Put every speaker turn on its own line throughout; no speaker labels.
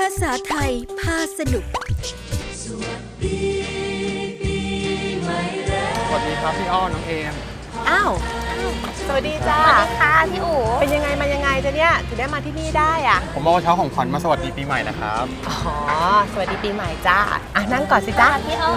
าษาไทยพาสนุก
สวัสดีปีใหม่แล้ว
สวัสดีครับพี่อ้อน้องเอม
อ้าวสวัสดีจ้า
สวัสดีค่ะพี่อู๋
เป็นยังไงมายังไงจะเนี่ยถึงได้มาที่นี่ได้อ่ะ
ผมเอาเช้าของขวัญมาสวัสดีปีใหม่นะครับ
อ๋อสวัสดีปีใหม่จ้าอ่ะนั่งก่อนสิจ้า
พี่อ้อ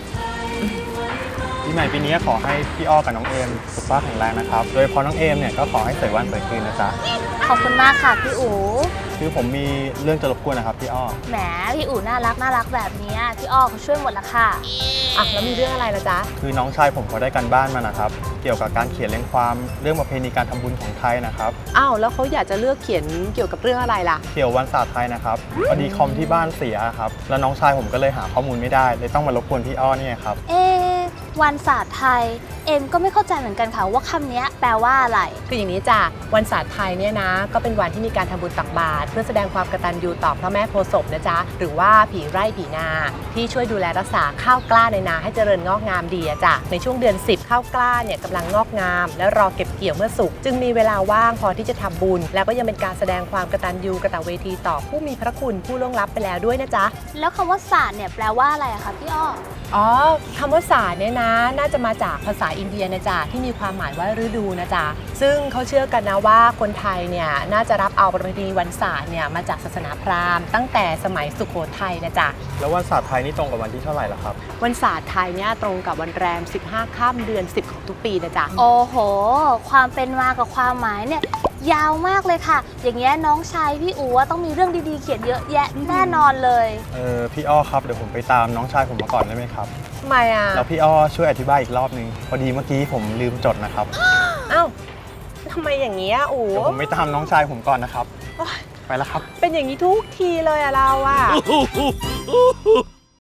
ปีใหม่ปีนี้ขอให้พี่อ้อกับน้องเอมสุขภาพแข็งแรงนะครับโดยเฉพาะน้องเอมเนี่ยก็ขอให้สวยวันสวยคืนนะจ๊ะ
ขอบคุณมากค่ะพี่อู๋
คือผมมีเรื่องจะรบกวนนะครับพี่อ้อ
แหมพี่อู๋น่ารักแบบนี้พี่อ้อเขาช่วยหมดละค่ะ
อ่ะแล้วมีเรื่องอะไรล่ะจ๊ะ
คือน้องชายผมเขาได้การบ้านมานะครับเกี่ยวกับการเขียนเรียงความเรื่องประเพณีการทำบุญของไทยนะครับ
อ้าวแล้วเขาอยากจะเลือกเขียนเกี่ยวกับเรื่องอะไรล่ะ
เกี่ยววันศาสตร์ไทยนะครับพอดีคอมที่บ้านเสียครับแล้วน้องชายผมก็เลยหาข้อมูลไม่ได้เลยต้องมารบกวนพี่อ้อเนี่ยครับ
วันศาสตร์ไทยเอ็มก็ไม่เข้าใจเหมือนกันค่ะว่าคำนี้แปลว่าอะไร
คืออย่างนี้จ้ะวันศาสตร์ไทยเนี่ยนะก็เป็นวันที่มีการทำบุญตักบาตรเพื่อแสดงความกตัญญูต่อพระแม่โพธิ์ศพนะจ๊ะหรือว่าผีไร่ผีนาที่ช่วยดูแลรักษาข้าวกล้าในนาให้เจริญงอกงามดีอะจ้ะในช่วงเดือน10ข้าวกล้าเนี่ยกำลังงอกงามและรอเก็บเกี่ยวเมื่อสุกจึงมีเวลาว่างพอที่จะทำบุญแล้วก็ยังเป็นการแสดงความกตัญญูกตเวทีต่อผู้มีพระคุณผู้ล่วงลับไปแล้วด้วยนะจ๊ะ
แล้วคำว่าศาสตร์เนี่ยแปลว่าอะไรอะคะพี่อ้อ
อ๋อคำว่าศาสตร์เนี่ยนะน่าจะมาจากภาษาอินเดียนะจ๊ะที่มีความหมายว่าฤดูนะจ๊ะซึ่งเขาเชื่อกันนะว่าคนไทยเนี่ยน่าจะรับเอาประเพณีวันศาสตร์เนี่ยมาจากศาสนาพราหมณ์ตั้งแต่สมัยสุโขทัยนะจ๊ะ
แล้ววันศาสตร์ไทยนี่ตรงกับวันที่เท่าไหร่ล่ะครับ
วันศาสตร์ไทยเนี่ยตรงกับวันแรม15ค่ำเดือน10ของทุกปีนะจ๊ะ
โอ้โห ความเป็นมากับความหมายเนี่ยยาวมากเลยค่ะ อย่างเงี้ยน้องชายพี่อู๋ต้องมีเรื่องดีๆเขียนเยอะแยะแน่นอนเลย
พี่อ้อครับเดี๋ยวผมไปตามน้องชายผมมาก่อนได้ไหมครับ
ทำไมอ่ะ
แล้วพี่อ้อช่วยอธิบายอีกรอบนึงพอดีเมื่อกี้ผมลืมจดนะครับ
อ้าวทำไมอย่างเงี้ยอู๋
เดี๋ยวผมไปตามน้องชายผมก่อนนะครับ ไปแล้วครับ
เป็นอย่างนี้ทุกทีเลยอะเราอะ